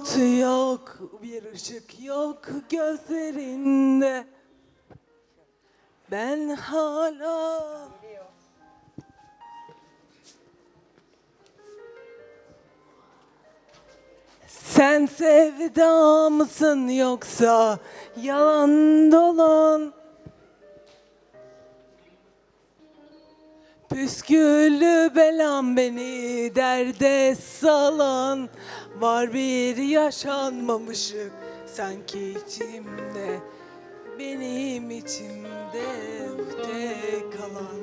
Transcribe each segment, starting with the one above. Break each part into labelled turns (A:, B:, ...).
A: umut yok, bir ışık yok gözlerinde. Ben hala sen sevda mısın yoksa yalan dolan? Püsküllü belam beni derde salan, var bir yaşanmamışlık sanki içimde, benim içimde ukde kalan.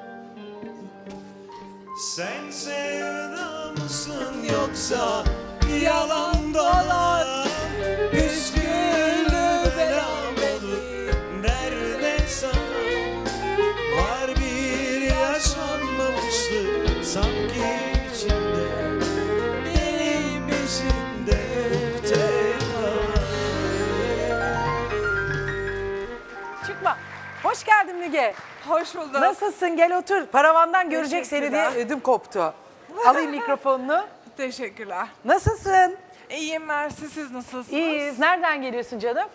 B: Sen sevda mısın yoksa yalan dolan? Püsküllü belam beni derde salan, var bir yaşanmamışlık sanki içimde, benim içimde ukde kalan.
C: Çıkma. Hoş geldin Müge.
D: Hoş bulduk.
C: Nasılsın? Gel otur. Paravandan görecek seni diye ödüm koptu. Alayım mikrofonunu.
D: Teşekkürler.
C: Nasılsın?
D: İyiyim Mersi, siz nasılsınız?
C: İyiyiz. Nereden geliyorsun canım?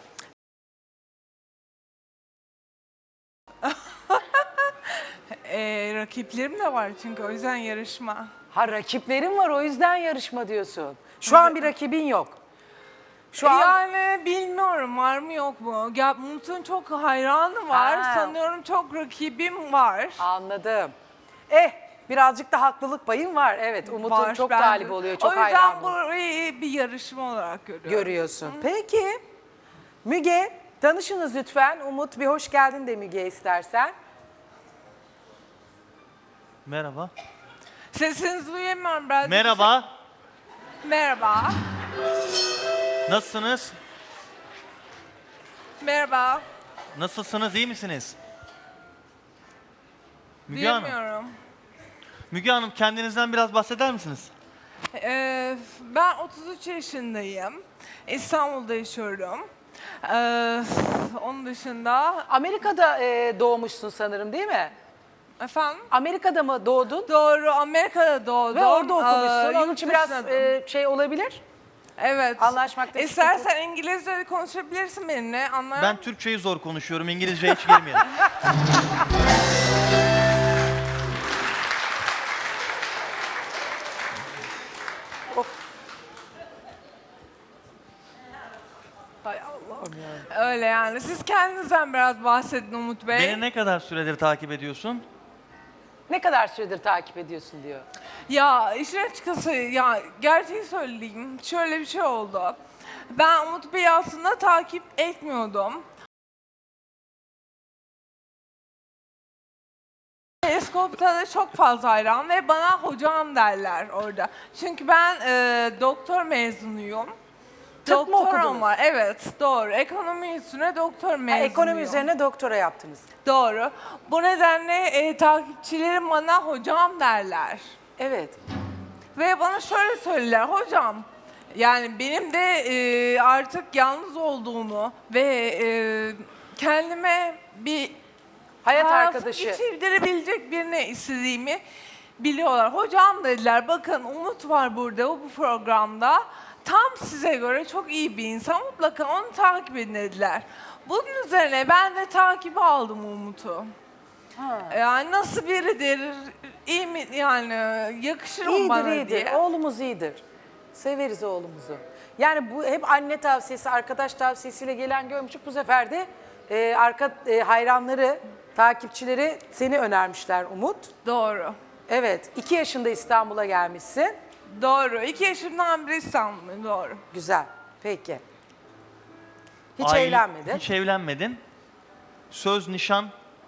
D: Rakiplerim de var çünkü o yüzden yarışma.
C: Ha, rakiplerin var, o yüzden yarışma diyorsun. Şu an bir rakibin yok. Şu an
D: Yani bilmiyorum var mı yok mu? Ya Umut'un çok hayranı var.
C: Ha.
D: Sanıyorum çok rakibim var.
C: anladım. Birazcık da haklılık payın var. Evet, Umut'un
D: Var
C: çok
D: bende.
C: talip oluyor, çok
D: O yüzden
C: hayran oluyor.
D: burayı bir yarışma olarak görüyorum.
C: Görüyorsun. Peki, Müge, tanışınız lütfen. Umut, bir hoş geldin de Müge istersen.
B: Merhaba.
D: Sesinizi duyamıyorum biraz.
B: Merhaba.
D: Merhaba.
B: Nasılsınız?
D: Merhaba.
B: Nasılsınız? İyi misiniz? Müge Hanım.
D: Duyamıyorum.
B: Müge Hanım, kendinizden biraz bahseder misiniz?
D: Ben 33 yaşındayım. İstanbul'da yaşıyorum. Onun dışında
C: Amerika'da doğmuşsun sanırım, değil mi?
D: efendim
C: Amerika'da mı doğdun?
D: doğru Amerika'da doğdum.
C: Ve orada okumuşsun. Onun
D: Yurt
C: için biraz
D: dışında-
C: şey olabilir.
D: evet.
C: anlaşmakta
D: İstersen İngilizce konuşabilirsin benimle. Anlar.
B: Ben Türkçeyi zor konuşuyorum. İngilizceye hiç girmeyelim.
C: Hay Allah'ım ya.
D: Öyle yani. Siz kendinizden biraz bahsedin Umut Bey.
B: Beni ne kadar süredir takip ediyorsun?
C: Ne kadar süredir takip ediyorsun diyor.
D: Ya işin açıkçası ya gerçeği söyleyeyim. Şöyle bir şey oldu. Ben Umut Bey'i aslında takip etmiyordum. Teleskopta da çok fazla hayran ve bana hocam derler orada. Çünkü ben doktor mezunuyum.
C: Tıp mı
D: Doktoram
C: okudunuz?
D: var. Evet, doğru. Ekonomi üstüne doktor mezunuyum.
C: Ekonomi üzerine doktora yaptınız.
D: Doğru. Bu nedenle takipçilerim bana hocam derler.
C: Evet.
D: Ve bana şöyle söylerler, hocam yani benim de artık yalnız olduğumu ve kendime bir
C: Hayat
D: hayatımı
C: arkadaşı.
D: geçirdirebilecek birini istediğimi biliyorlar. Hocam dediler, bakın Umut var burada bu programda. Tam size göre çok iyi bir insan, mutlaka onu takip edin dediler. Bunun üzerine ben de takibi aldım Umut'u. Yani nasıl biridir, iyi mi yani yakışır mı bana
C: İyidir,
D: diye.
C: Oğlumuz iyidir. Severiz oğlumuzu. Yani bu hep anne tavsiyesi, arkadaş tavsiyesiyle gelen görmüştük. Bu sefer de hayranları, takipçileri seni önermişler Umut.
D: Doğru.
C: Evet, 2 yaşında İstanbul'a gelmişsin.
D: Doğru. 2 yaşımdan beri İstanbul'dayım. Doğru.
C: Güzel, peki. Hiç
B: Aile-
C: evlenmedin.
B: Hiç evlenmedin. Söz, nişan.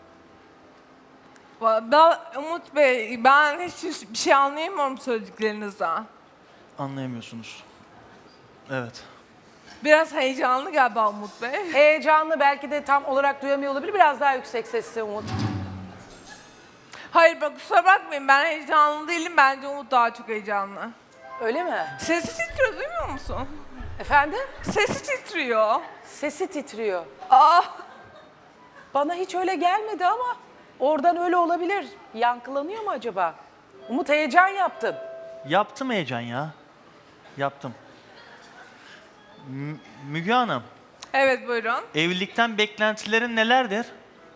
D: Ben, Umut Bey, ben hiç bir şey anlayamıyorum söylediklerinizden.
B: Anlayamıyorsunuz. Evet.
D: Biraz heyecanlı galiba Umut Bey.
C: Heyecanlı, belki de tam olarak duyamıyor olabilir. Biraz daha yüksek sesle Umut.
D: Hayır bak kusura bakmayın, ben heyecanlı değilim. Bence Umut daha çok heyecanlı.
C: Öyle mi?
D: Sesi titriyor, duymuyor musun?
C: Efendim?
D: Sesi titriyor.
C: Sesi titriyor.
D: Aa,
C: Bana hiç öyle gelmedi ama oradan öyle olabilir. Yankılanıyor mu acaba? Umut, heyecan yaptın.
B: Yaptım heyecan ya. Yaptım. Müge Hanım,
D: Evet buyurun.
B: evlilikten beklentilerin nelerdir?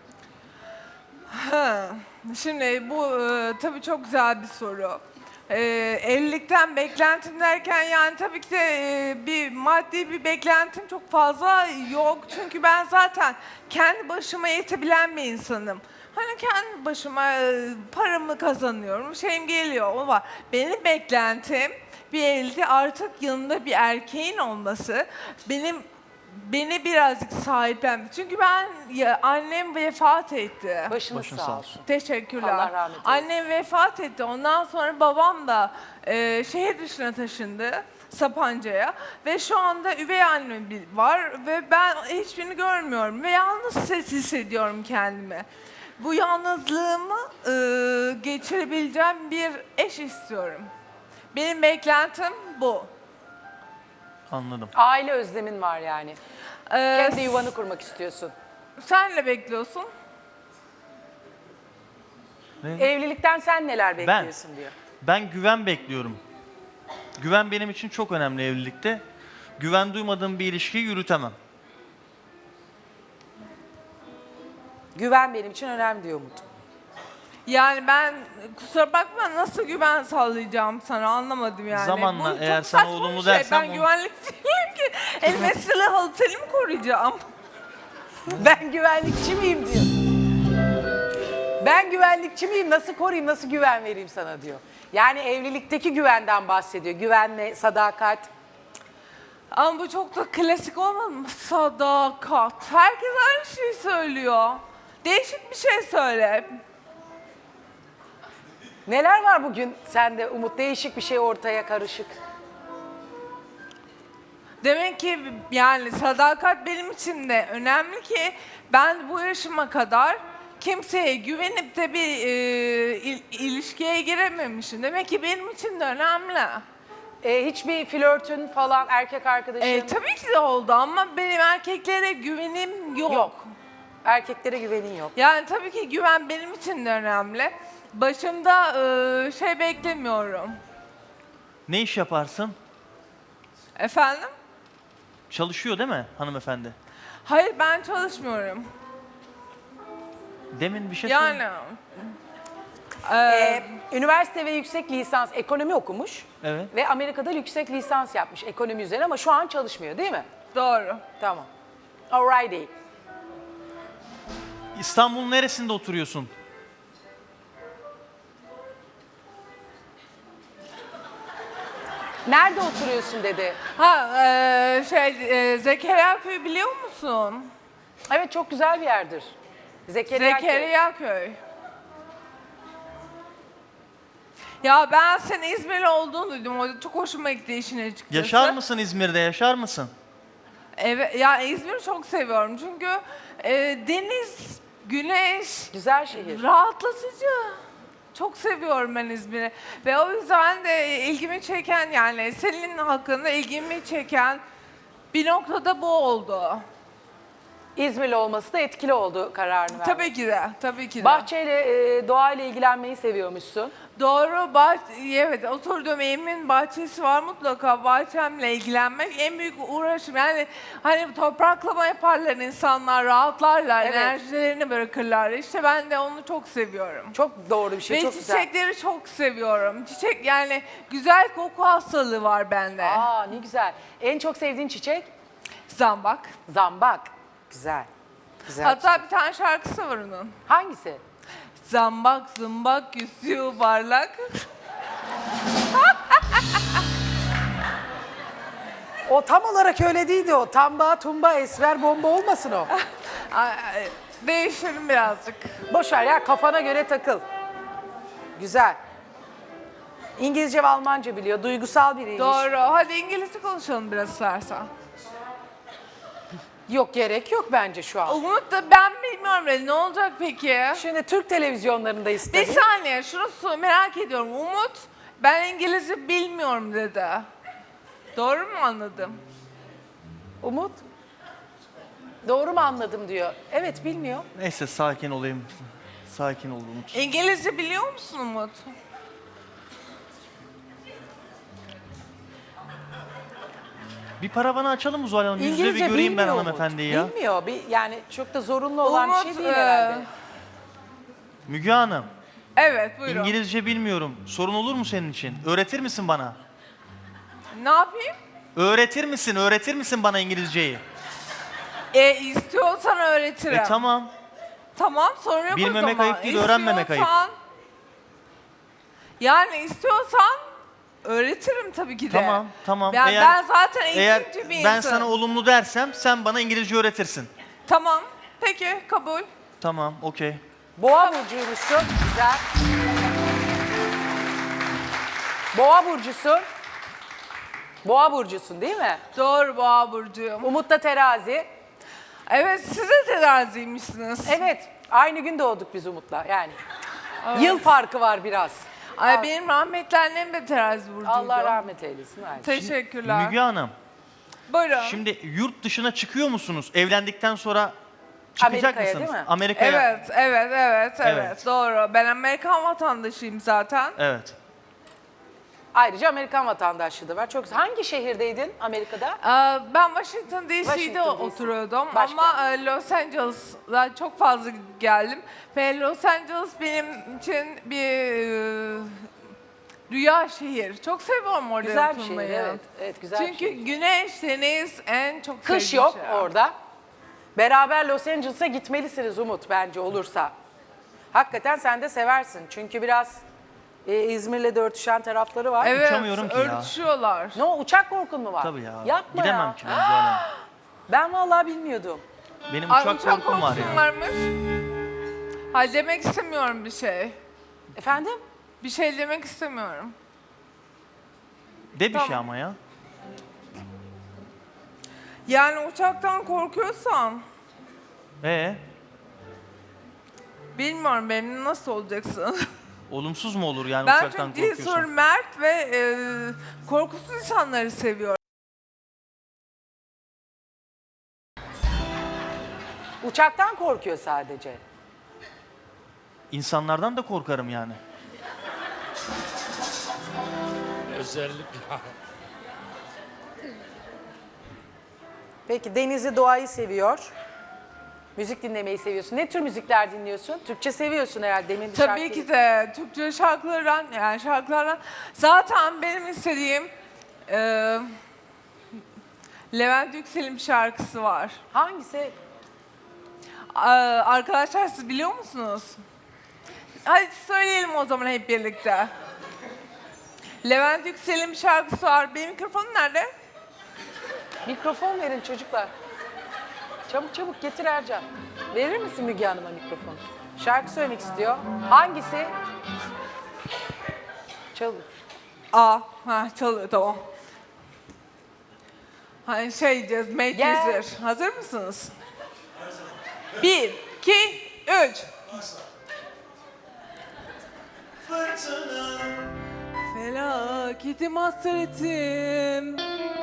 D: Ha, Şimdi bu tabii çok güzel bir soru. Evlilikten beklentim derken yani tabii ki de bir maddi bir beklentim çok fazla yok. Çünkü ben zaten kendi başıma yetebilen bir insanım. Hani kendi başıma paramı kazanıyorum, şeyim geliyor o var. Benim beklentim bir evlilikte artık yanında bir erkeğin olması. Beni birazcık sahiplendi. Çünkü annem vefat etti.
C: Başınız
B: Başın
C: sağ
B: sağ
C: olsun.
D: Teşekkürler.
C: Allah rahmet eylesin.
D: Annem vefat etti. Ondan sonra babam da şehir dışına taşındı. Sapanca'ya ve şu anda üvey annem var ve ben hiçbirini görmüyorum ve yalnız hissediyorum kendimi. Bu yalnızlığımı geçirebileceğim bir eş istiyorum. Benim beklentim bu.
B: Anladım.
C: Aile özlemin var yani.
D: Ee,
C: Kendi yuvanı kurmak istiyorsun.
D: Sen ne bekliyorsun?
C: Evlilikten sen neler bekliyorsun diyor.
B: Ben güven bekliyorum. Güven benim için çok önemli evlilikte. Güven duymadığım bir ilişkiyi yürütemem.
C: Güven benim için önemli diyor Umut.
D: Yani ben kusura bakma nasıl güven sağlayacağım sana anlamadım yani.
B: Zamanla
D: Bu çok
B: eğer sana
D: saçma bir
B: olumlu
D: şey.
B: dersen
D: Ben
B: onu-
D: güvenlikçiyim ki el mesele halterimi koruyacağım.
C: Ben güvenlikçi miyim diyor. Ben güvenlikçi miyim? Nasıl koruyayım, nasıl güven vereyim sana diyor. Yani evlilikteki güvenden bahsediyor. Güvenme, sadakat.
D: Ama bu çok da klasik olmadı mı? Sadakat. Herkes aynı şeyi söylüyor. Değişik bir şey söyle.
C: Neler var bugün sende Umut? Değişik bir şey ortaya karışık.
D: Demek ki yani sadakat benim için de önemli ki ben bu yaşıma kadar kimseye güvenip de bir ilişkiye girememişim. Demek ki benim için de önemli.
C: Hiçbir flörtün falan, erkek arkadaşın
D: Tabii ki de oldu ama benim erkeklere güvenim yok.
C: yok. Erkeklere güvenin yok.
D: Yani tabii ki güven benim için de önemli. Başımda şey beklemiyorum.
B: Ne iş yaparsın?
D: Efendim?
B: Çalışıyor değil mi hanımefendi?
D: Hayır ben çalışmıyorum.
B: Demin bir şey
D: Yani
C: Üniversite ve yüksek lisans ekonomi okumuş.
B: Evet.
C: Ve Amerika'da yüksek lisans yapmış ekonomi üzerine ama şu an çalışmıyor değil mi?
D: doğru.
C: Tamam. Alrighty.
B: İstanbul'un neresinde oturuyorsun?
C: Nerede oturuyorsun dedi.
D: Zekeriya Köyü biliyor musun?
C: Evet çok güzel bir yerdir. Zekeriya.
D: Zekeriya Köy. Ya ben senin İzmirli olduğunu duydum. O çok hoşuma gitti işin açıkçası.
B: Yaşar mısın İzmir'de? Yaşar mısın?
D: Evet, ya İzmir'i çok seviyorum çünkü deniz, güneş,
C: Güzel şehir.
D: rahatlatıcı. Çok seviyorum ben İzmir'i ve o yüzden de ilgimi çeken yani senin hakkında ilgimi çeken bir noktada bu oldu.
C: İzmirli olması da etkili oldu kararını vermek.
D: Tabii ki de, tabii ki de.
C: Bahçeyle, doğayla ilgilenmeyi seviyormuşsun.
D: Doğru, evet oturduğum evimin bahçesi var mutlaka bahçemle ilgilenmek en büyük uğraşım. Yani hani topraklama yaparlar insanlar, rahatlarlar,
C: Evet.
D: enerjilerini bırakırlar. İşte ben de onu çok seviyorum.
C: Çok doğru bir şey,
D: Ve
C: çok güzel.
D: çiçekleri çok seviyorum. Çiçek yani güzel koku hastalığı var bende.
C: Aa ne güzel. En çok sevdiğin çiçek?
D: Zambak.
C: Zambak. Güzel. Güzel.
D: Hatta bir tane şarkısı var onun.
C: Hangisi?
D: Zambak zımbak yüzüyor parlak.
C: O tam olarak öyle değildi o. Tamba, tumba, esmer, bomba olmasın o.
D: Değiştirin birazcık.
C: Boş ver ya kafana göre takıl. Güzel. İngilizce ve Almanca biliyor. Duygusal biriymiş.
D: Doğru. Hadi İngilizce konuşalım biraz istersen.
C: Yok gerek yok bence şu an.
D: Umut da ben bilmiyorum ne olacak peki?
C: Şimdi Türk televizyonlarında
D: Bir
C: istedim.
D: saniye şunu merak ediyorum. Umut ben İngilizce bilmiyorum dedi. Doğru mu anladım?
C: Umut. Doğru mu anladım diyor. Evet bilmiyor.
B: Neyse sakin olayım. Sakin ol Umut.
D: İngilizce biliyor musun Umut?
B: Bir paravanı açalım mı Zuhal Hanım? Yüz yüze bir göreyim ben
C: bilmiyor
B: hanımefendiyi ya.
C: Bilmiyor. Yani çok da zorunlu olan bir şey
D: Umut,
C: değil herhalde.
B: Müge Hanım,
D: Evet buyurun.
B: İngilizce bilmiyorum. Sorun olur mu senin için? Öğretir misin bana?
D: Ne yapayım?
B: Öğretir misin bana İngilizceyi?
D: İstiyorsan öğretirim.
B: Tamam.
D: Tamam sorun yok
B: Bilmemek
D: o zaman.
B: ayıp değil, öğrenmemek ayıp.
D: Yani istiyorsan öğretirim tabii ki de.
B: Tamam.
D: Ben zaten
B: Eğer
D: eğitimci bir
B: ben
D: insanım.
B: sana olumlu dersem sen bana İngilizce öğretirsin.
D: Tamam. Peki kabul.
B: Tamam, okey.
C: Boğa burcuymuşsun. Güzel. Boğa burcusun. Boğa burcusun değil mi?
D: Doğru Boğa burcuyum.
C: Umut da terazi.
D: Evet siz de teraziymişsiniz.
C: Evet. Aynı gün doğduk biz Umut'la yani. Yıl farkı var biraz.
D: Ay benim rahmetli annem de terazi burcuydu.
C: Allah rahmet eylesin. Aynen.
D: Teşekkürler.
B: Müge Hanım,
D: Buyurun.
B: şimdi yurt dışına çıkıyor musunuz? Evlendikten sonra çıkacak
C: Amerika'ya
B: mısınız?
C: değil mi?
B: Amerika'ya.
D: Evet. Doğru. Ben Amerikan vatandaşıyım zaten.
B: Evet.
C: Ayrıca Amerikan vatandaşlığı da var. Çok güzel. Hangi şehirdeydin Amerika'da?
D: Ben Washington DC'de
C: Washington DC.
D: oturuyordum
C: Başkent.
D: ama Los Angeles'a çok fazla geldim. Ve Los Angeles benim için bir rüya şehir. Çok seviyorum orada
C: Güzel bir
D: oturmayı.
C: şehir. Evet, evet güzel bir
D: Çünkü
C: şehir.
D: güneş, deniz en çok
C: Kış
D: sevdiğim
C: yok
D: şey.
C: orada. Beraber Los Angeles'a gitmelisiniz Umut bence olursa. Hakikaten sen de seversin. Çünkü biraz İzmir'le de örtüşen tarafları var.
D: Evet,
B: Uçamıyorum ki ya.
D: örtüşüyorlar.
C: Ne o uçak korkun mu var?
B: Tabii ya.
C: Yapma
B: Gidemem
C: ya.
B: ki ben Zuhal Hanım.
C: Ben vallahi bilmiyordum.
B: Benim
D: Ay,
B: uçak korkum var ya.
D: varmış. Hayır demek istemiyorum bir şey.
C: Efendim?
D: Bir şey demek istemiyorum.
B: De bir
D: Tamam.
B: şey ama ya.
D: Yani uçaktan korkuyorsan bilmiyorum benim nasıl olacaksın.
B: Olumsuz mu olur yani
D: Ben
B: uçaktan
D: çok cesur,
B: korkuyorsun?
D: mert ve korkusuz insanları seviyorum.
C: Uçaktan korkuyor sadece.
B: İnsanlardan da korkarım yani.
E: Özellikle.
C: Peki denizi, doğayı seviyor. Müzik dinlemeyi seviyorsun. Ne tür müzikler dinliyorsun? Türkçe seviyorsun herhalde. Demin bir
D: Tabii
C: şarkı-
D: ki de Türkçe şarkılardan zaten benim istediğim Levent Yüksel'in bir şarkısı var.
C: Hangisi?
D: Arkadaşlar siz biliyor musunuz? Hadi söyleyelim o zaman hep birlikte. Levent Yüksel'in bir şarkısı var. Benim mikrofonum nerede?
C: Mikrofon verin çocuklar. Çabuk çabuk getir Ercan. Verir misin Müge Hanım'a mikrofonu? Şarkı söylemek istiyor. Hangisi? Çalın.
D: Çalıyor tamam. Hani şey diyeceğiz, Make
C: Gel.
D: User. Hazır mısınız? 1, 2, 3.
A: Felaketim hasretim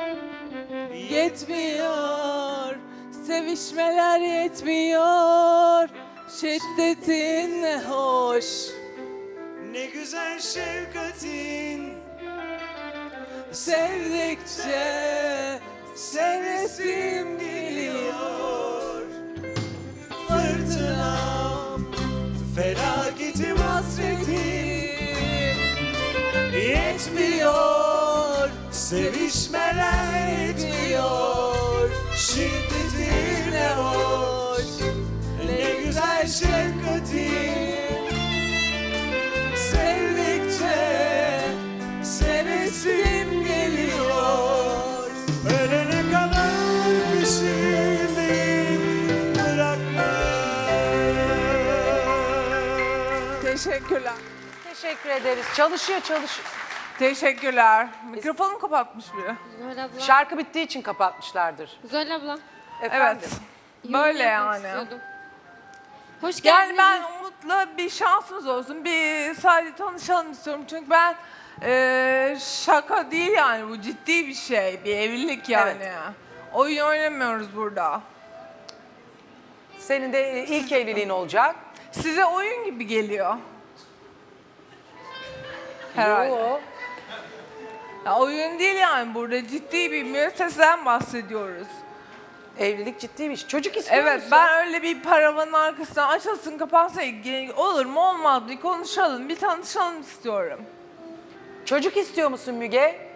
A: yetmiyor, sevişmeler yetmiyor, şiddetin ne hoş.
F: Ne güzel şefkatin,
A: Sevdikçe sevesim geliyor.
F: fırtınam, felaketim, hasretim yetmiyor, sevişmeler yetmiyor, şiddetin ne hoş, ne güzel şefkatin, sevdikçe sevesim geliyor. Ölene kadar peşindeyim, bırakma.
D: Teşekkürler.
C: Teşekkür ederiz. Çalışıyor.
D: Teşekkürler. Mikrofonumu kapatmış biri.
G: Zuhal abla.
C: Şarkı bittiği için kapatmışlardır.
G: Zuhal abla.
C: Efendim.
D: Evet.
G: yorum
D: Böyle
G: yapmak
D: yani.
G: istiyordum. Hoş
D: Yani
G: geldiniz.
D: ben Umut'la bir şansımız olsun. Bir sadece tanışalım istiyorum. Çünkü ben şaka değil yani bu ciddi bir şey. Bir evlilik yani.
C: Evet.
D: Oyun oynamıyoruz burada.
C: Senin de ilk evliliğin olacak.
D: Size oyun gibi geliyor. Herhalde.
C: Yo.
D: Ya oyun değil yani, burada ciddi bir müesseseden bahsediyoruz.
C: Evlilik ciddi bir iş. Çocuk istiyor
D: Evet,
C: musun?
D: ben öyle bir paravanın arkasından açılsın kapansın olur mu olmaz mı, bir konuşalım, bir tanışalım istiyorum.
C: Çocuk istiyor musun Müge?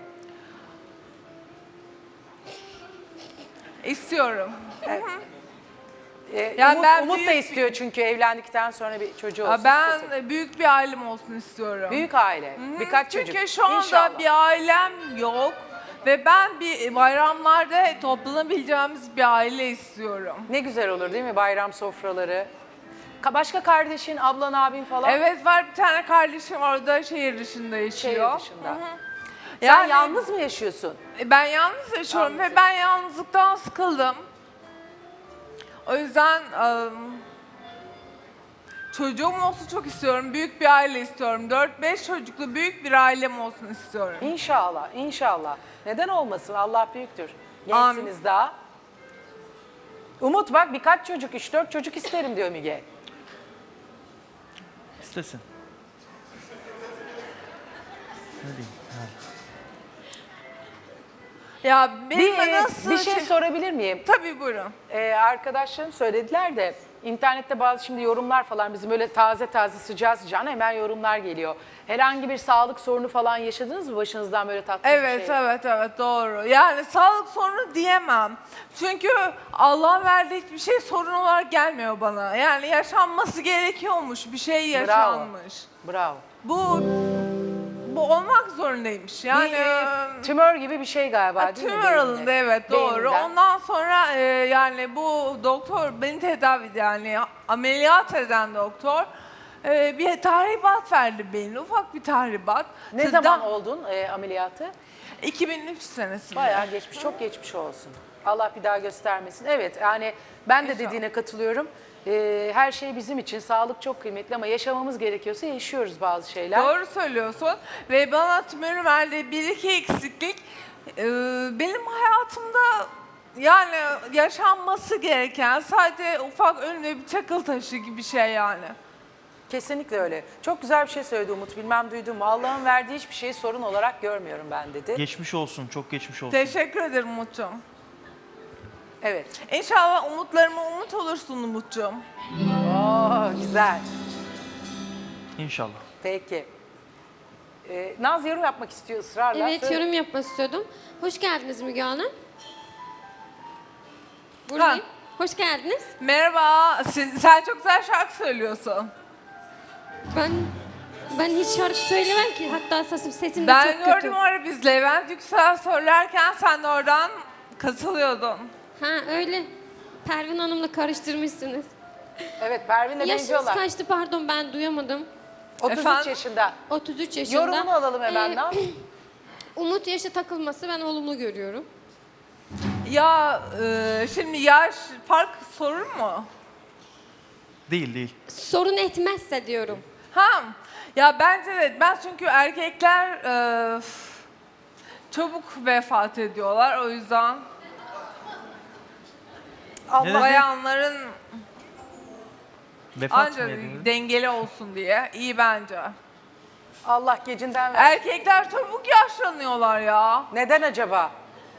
D: İstiyorum.
C: Yani
D: Yani ben
C: Umut da
D: büyük-
C: istiyor çünkü evlendikten sonra bir çocuğu olsun.
D: Ya ben
C: istiyor.
D: büyük bir ailem olsun istiyorum.
C: Büyük aile,
D: Hı,
C: birkaç çocuk.
D: Çünkü şu anda
C: İnşallah.
D: bir ailem yok ve ben bir bayramlarda toplanabileceğimiz bir aile istiyorum.
C: Ne güzel olur değil mi bayram sofraları? Başka kardeşin, ablan, abin falan
D: Evet, var bir tane kardeşim orada şehir dışında yaşıyor.
C: şehir dışında.
D: Hı hı.
C: Sen
D: Yani
C: yalnız mı yaşıyorsun?
D: ben yalnız yaşıyorum
C: Yalnız
D: ve ben yalnızlıktan sıkıldım. O yüzden çocuğum olsun çok istiyorum. Büyük bir aile istiyorum. 4-5 çocuklu büyük bir ailem olsun istiyorum.
C: İnşallah, inşallah. Neden olmasın? Allah büyüktür.
D: Amin.
C: Gençsiniz daha. Umut bak birkaç çocuk, 3-4 çocuk isterim diyor Müge.
B: İstesin. Ne diyeyim?
D: Ya benim
C: Bir,
D: nasıl
C: bir şey sorabilir miyim?
D: Tabii, buyurun.
C: Arkadaşlarım söylediler de internette bazı şimdi yorumlar falan bizim öyle taze taze sıcağı sıcağına hemen yorumlar geliyor. Herhangi bir sağlık sorunu falan yaşadınız mı başınızdan böyle tatsız
D: Evet,
C: bir şey?
D: evet, doğru. Yani sağlık sorunu diyemem. Çünkü Allah'ın verdiği hiçbir şey sorun olarak gelmiyor bana. Yani yaşanması gerekiyormuş, bir şey yaşanmış.
C: Bravo.
D: Bu olmak zorundaymış. Yani
C: Bir tümör gibi bir şey galiba değil mi?
D: tümör
C: beyinde?
D: alındı, evet, doğru.
C: Beyinden.
D: Ondan sonra yani bu doktor beni tedavi eden, yani ameliyat eden doktor bir tahribat verdi beynine, ufak bir tahribat.
C: Ne
D: Tıdda-
C: zaman oldun ameliyatı?
D: 2003 senesinde.
C: Bayağı geçmiş, çok geçmiş olsun. Allah bir daha göstermesin. Evet, yani ben de dediğine katılıyorum. Her şey bizim için, sağlık çok kıymetli ama yaşamamız gerekiyorsa yaşıyoruz bazı şeyler.
D: Doğru söylüyorsun ve bana tümörün verdiği bir iki eksiklik benim hayatımda yani yaşanması gereken sadece ufak önüne bir çakıl taşı gibi bir şey yani.
C: Kesinlikle öyle. Çok güzel bir şey söyledi Umut. Bilmem duydun mu? Allah'ın verdiği hiçbir şeyi sorun olarak görmüyorum ben dedi.
B: Geçmiş olsun, çok geçmiş olsun.
D: Teşekkür ederim Umut'cum.
C: Evet.
D: İnşallah umutlarıma umut olursun Umut'cum.
C: Oo, güzel.
B: İnşallah.
C: Peki. Naz yorum yapmak istiyor ısrarla.
G: Evet,
C: Söyle.
G: yorum yapmak istiyordum. Hoş geldiniz Müge Hanım. Buradayım. Hoş geldiniz.
D: Merhaba, sen çok güzel şarkı söylüyorsun.
G: Ben hiç şarkı söylemem ki. Hatta sesim de
D: Ben
G: çok kötü.
D: gördüm orada biz Levent Yüksel söylerken sen de oradan katılıyordun.
G: Ha öyle. Pervin Hanım'la karıştırmışsınız.
C: Evet, Pervin'le
G: Yaşınız
C: benziyorlar.
G: kaçtı pardon, ben duyamadım.
C: 33
D: Efendim?
C: yaşında.
G: 33 yaşında.
C: Yorumunu alalım hemen. Naz.
G: Umut yaşa takılması ben olumlu görüyorum.
D: Ya şimdi yaş fark sorun mu?
B: Değil, değil.
G: Sorun etmezse diyorum.
D: Ha, ya bence de ben çünkü erkekler çabuk vefat ediyorlar, o yüzden
B: Neden?
D: bayanların
B: Vefat mı
D: ancak
B: edildi?
D: dengeli olsun diye iyi bence.
C: Allah gecinden ver.
D: Erkekler çabuk yaşlanıyorlar ya.
C: Neden acaba?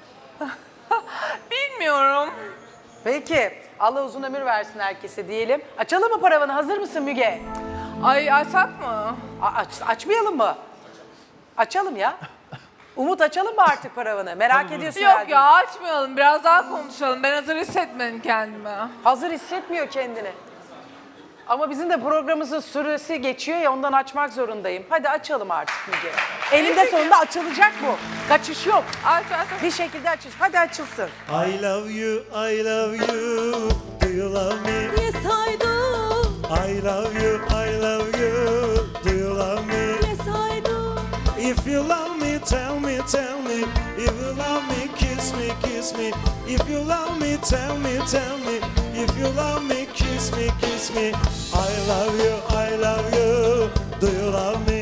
D: Bilmiyorum.
C: Peki. Allah uzun ömür versin herkese diyelim. Açalım mı paravanı? Hazır mısın Müge?
D: Ay açsak mı?
C: Açmayalım mı? Açalım ya. Umut açalım mı artık paravanı? Merak ediyorsun
D: Yok
C: herhalde.
D: ya, açmayalım, biraz daha konuşalım. Ben hazır hissetmedim kendimi.
C: Hazır hissetmiyor kendini. Ama bizim de programımızın süresi geçiyor ya, ondan açmak zorundayım. Hadi açalım artık Müge. Elinde sonunda açılacak bu. Kaçış yok.
D: Aç.
C: Bir şekilde açış. Hadi açılsın.
F: I love you, I love you. Do you love me?
A: Yes I do.
F: I love you, I love you. Do you love me?
A: Yes I do.
F: If you love me, tell me, tell me. If you love me, kiss me, kiss me. If you love me, tell me, tell me. If you love me, kiss me, kiss me. I love you, I love you. Do you love me?